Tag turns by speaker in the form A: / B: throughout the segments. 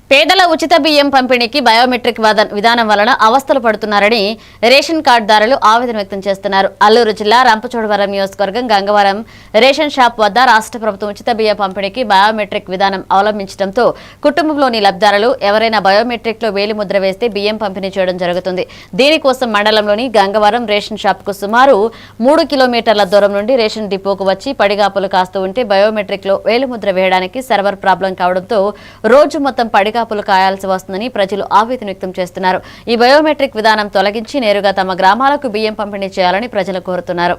A: పేదల ఉచిత బియ్యం పంపిణీకి బయోమెట్రిక్ విధానం వలన అవస్థలు పడుతున్నారని రేషన్ కార్డుదారులు ఆవేదన వ్యక్తం చేస్తున్నారు. అల్లూరు జిల్లా రంపచోడవరం నియోజకవర్గం గంగవరం రేషన్ షాప్ వద్ద రాష్ట్ర ప్రభుత్వం ఉచిత బియ్యం పంపిణీకి బయోమెట్రిక్ విధానం అవలంబించడంతో కుటుంబంలోని లబ్ధిదారులు ఎవరైనా బయోమెట్రిక్ లో వేలిముద్ర వేస్తే బియ్యం పంపిణీ చేయడం జరుగుతుంది. దీనికోసం మండలంలోని గంగవరం రేషన్ షాప్ కు సుమారు 3 కిలోమీటర్ల దూరం నుండి రేషన్ డిపోకు వచ్చి పడిగాపులు కాస్తూ ఉంటే బయోమెట్రిక్ లో వేలిముద్ర వేయడానికి సర్వర్ ప్రాబ్లం కావడంతో రోజు మొత్తం పడిగాపులు కాయాల్సి వస్తుందని ప్రజలు ఆవేదన వ్యక్తం చేస్తున్నారు. ఈ బయోమెట్రిక్ విధానం తొలగించి నేరుగా తమ గ్రామాలకు బియ్యం పంపిణీ చేయాలని ప్రజలు కోరుతున్నారు.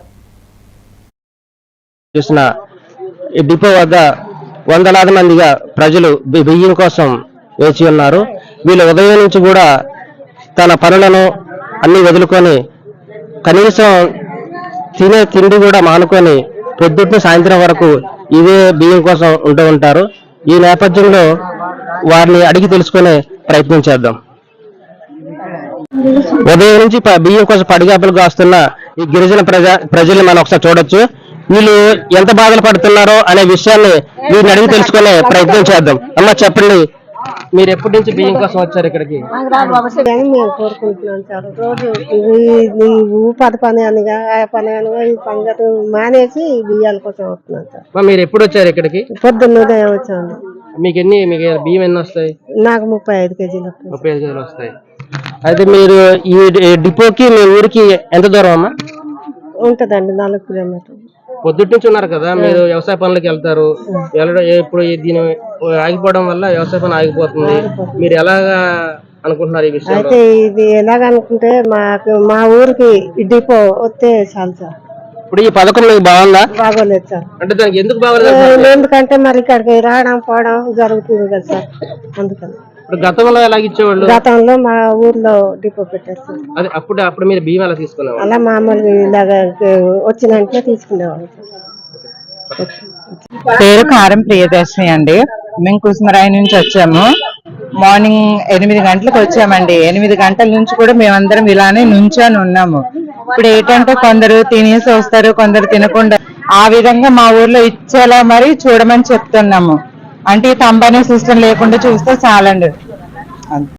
B: డిపో వద్ద వందలాది మందిగా ప్రజలు బియ్యం కోసం వేచి ఉన్నారు. వీళ్ళు ఉదయం నుంచి కూడా తన పనులను అన్ని వదులుకొని కనీసం తినే తిండి కూడా మానుకొని పొద్దున్న సాయంత్రం వరకు ఇవే బియ్యం కోసం ఉంటూ ఉంటారు. ఈ నేపథ్యంలో వారిని అడిగి తెలుసుకునే ప్రయత్నం చేద్దాం. ఉదయం నుంచి బియ్యం కోసం పడిగాపులుగా వస్తున్న ఈ గిరిజన ప్రజల్ని మనం ఒకసారి చూడొచ్చు. వీళ్ళు ఎంత బాధలు పడుతున్నారో అనే విషయాన్ని వీరిని అడిగి తెలుసుకునే ప్రయత్నం చేద్దాం. అమ్మ చెప్పండి, మీరు ఎప్పటి నుంచి బియ్యం కోసం వచ్చారు ఇక్కడికి?
C: మేము కోరుకుంటున్నాం సార్. రోజు ఉపాధి పని అనగా ఆ పని అనగా ఈ పంగతి మానేసి బియ్యాల కోసం వస్తున్నాం సార్.
B: మీరు ఎప్పుడు వచ్చారు ఇక్కడికి?
C: పొద్దున్న ఉదయం వచ్చాము.
B: మీకు బియ్యం ఎన్ని వస్తాయి?
C: నాకు 35 కేజీలు.
B: 35 కేజీలు వస్తాయి. అయితే మీరు ఈ డిపోకి మీ ఊరికి ఎంత దూరం అమ్మా?
C: ఉంటదండి 4 కిలోమీటర్లు.
B: పొద్దుటి నుంచి ఉన్నారు కదా, మీరు వ్యవసాయ పనులకు వెళ్తారు. ఇప్పుడు దీని ఆగిపోవడం వల్ల వ్యవసాయ పని ఆగిపోతుంది. మీరు ఎలాగా అనుకుంటున్నారు ఈ విషయం?
C: అయితే ఇది ఎలాగనుకుంటే మా ఊరికి డిపో వస్తే చాలు సార్.
B: ఇప్పుడు ఈ పథకం మీకు బాగుందా?
C: బాగోలేదు సార్.
B: అంటే దానికి ఎందుకు బాగోలేదు?
C: ఎందుకంటే మరి ఇక్కడికి రావడం పోవడం జరుగుతుంది కదా సార్, అందుకని.
B: ఇప్పుడు గతంలో ఎలా ఇచ్చేవాళ్ళు?
C: గతంలో మా ఊర్లో డిపో పెట్టారు సార్.
B: అదే అప్పుడు మీరు బియ్యం ఎలా తీసుకునేవాళ్ళు?
C: అలా మామూలుగా ఇలాగా వచ్చినంటే తీసుకునేవాళ్ళు.
D: పేరు కారం ప్రియదర్శిని అండి. మేము కుసుమరాయి నుంచి వచ్చాము. మార్నింగ్ 8 గంటలకు వచ్చామండి. 8 గంటల నుంచి కూడా మేమందరం ఇలానే నుంచొని ఉన్నాము. ఇప్పుడు ఏంటంటే కొందరు తినేసి వస్తారు, కొందరు తినకుండా. ఆ విధంగా మా ఊర్లో ఇచ్చేలా మరి చూడమని చెప్తున్నాము. అంటే ఈ తంబానే సిస్టమ్ లేకుండా చూస్తే చాలండి.